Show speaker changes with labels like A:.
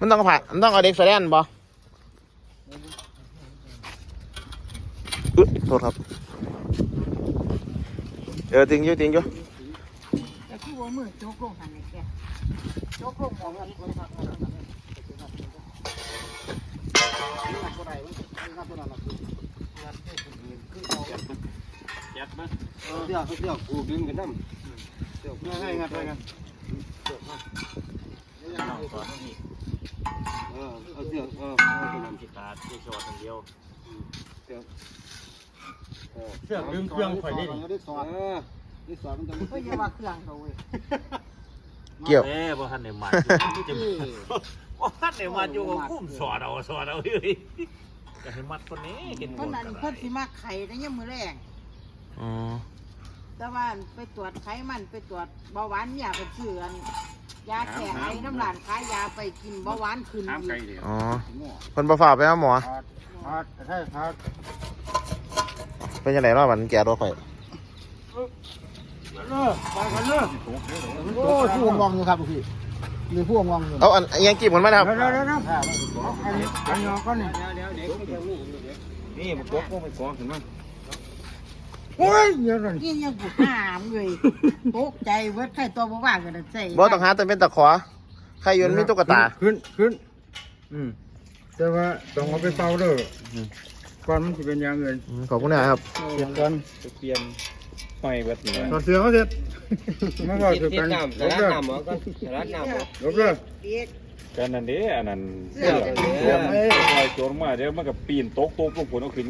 A: มันต้องผ่ามันต้องเอาเด็กแสดงบ่โทษครับจริงอยู่จริงอยู่
B: แต่ที่ว่ามือโจกลงหันไอ้แกโจกลงมองกันคนพักกัน
C: ยัดมั้ยเดี๋ยวกูดึงกันน้ำเดี๋ยวง่ายงัดไปกันเอาเสือกน้ำจิตตาที่ชอตเดียวเสือกดึงเครื่องข่อยได้ดิได้สอนมันจะ
B: ก็อย่าว่าเครื่องเขาเว้ย
A: เกี่ยว
C: บ่ทันได้มาบ่ทันได้มาอยู่กับคุ้มสอดเอาเฮ้ยจะให้มัดคนนี้กินหม
B: คน
C: ด
B: นั้นเพิ่นสิมาไข่ในยามมื้อแรงแต่ว่าไปตรวจไขมันไปตรวจเบาหวานเนี่ยไปซื้อยาแก้ไอน้ำร้านขายยาไปกินเบาหวานขึ้นอีก
A: คนประฝากไปหาหมอเป็นยังไงรอบมันแก่รถไฟ
D: โอ้ผู้วงอยู่ครับพี่หรือผู้วงอยู่
A: เอาอันยังกีบมันไหมครับ
D: อันยอก็นี่
C: นี่มันกบมันกองเห็นมั้ย
D: โอ้ยเยอะเลย
B: กินยังกูห้ามเลยตกใจเวิร์ดไข่ตัวบ่ว่างกันใส่
A: บ่ต้องหาแต่เป็นตะขอใครยนมีตุ๊กตา
D: ขึ้นแต่ว่าต้องเอาไปเป่าเด้อก่อนมันจะเป็นอย่างอื่น
A: ขอบคุณนะครับ
D: เปลี่ยนก่อน
C: เปลี่ยนไฟแบบนี้
D: ถอดเสื้อเขาเสร็จมันก็คือกัน
C: ร้านน้ำเหรอก็ร้านน้ำเหรอ
D: ลบเลย
C: กันนั่นเด้อันนั้นเสื้อโจรมาเดี๋ยวมันก็ปีนโต๊ะลงฝนเอาขึ้น